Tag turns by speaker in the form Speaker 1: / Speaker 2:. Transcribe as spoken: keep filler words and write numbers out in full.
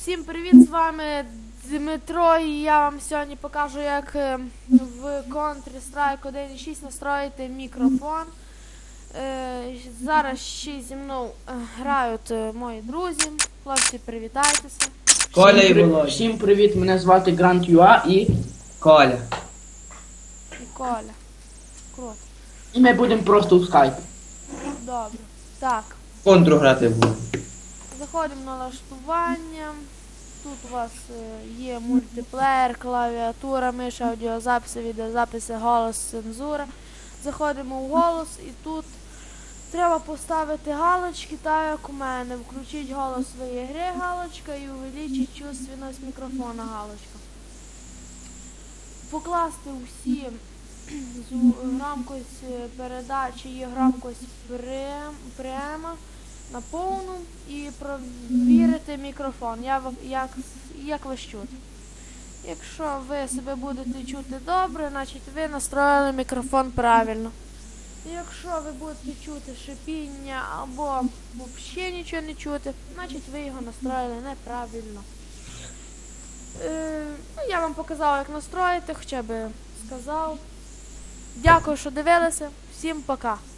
Speaker 1: Всім привіт, з вами Дмитро, і я вам сьогодні покажу, як е, в Counter-Strike один точка шість настроїти мікрофон. Е, Зараз ще зі мною е, грають е, мої друзі. Хлопці, привітайтеся.
Speaker 2: Коля
Speaker 3: Всім,
Speaker 2: і
Speaker 3: при...
Speaker 2: Володя.
Speaker 3: Всім привіт, мене звати Грант Юа і
Speaker 2: Коля.
Speaker 1: І Коля. Круто.
Speaker 3: і ми будемо просто у скайпі.
Speaker 1: Добре. Так,
Speaker 2: Контру грати буду.
Speaker 1: заходимо на налаштування. Тут у вас е, є мультиплеєр, клавіатура, миша, аудіозаписи, відеозаписи, голос, цензура. Заходимо в голос і тут треба поставити галочки, так як у мене. Включіть голос своєї гри галочка і увеличить чувственность мікрофона галочка. Покласти усі громкость передачі і громкость прямо на повну і провірити мікрофон, як, як, як ви чути. Якщо ви себе будете чути добре, значить ви настроїли мікрофон правильно. Якщо ви будете чути шипіння або взагалі нічого не чути, значить ви його настроїли неправильно. Е, ну, я вам показав, як настроїти, хоча б сказав. Дякую, що дивилися. Всім пока.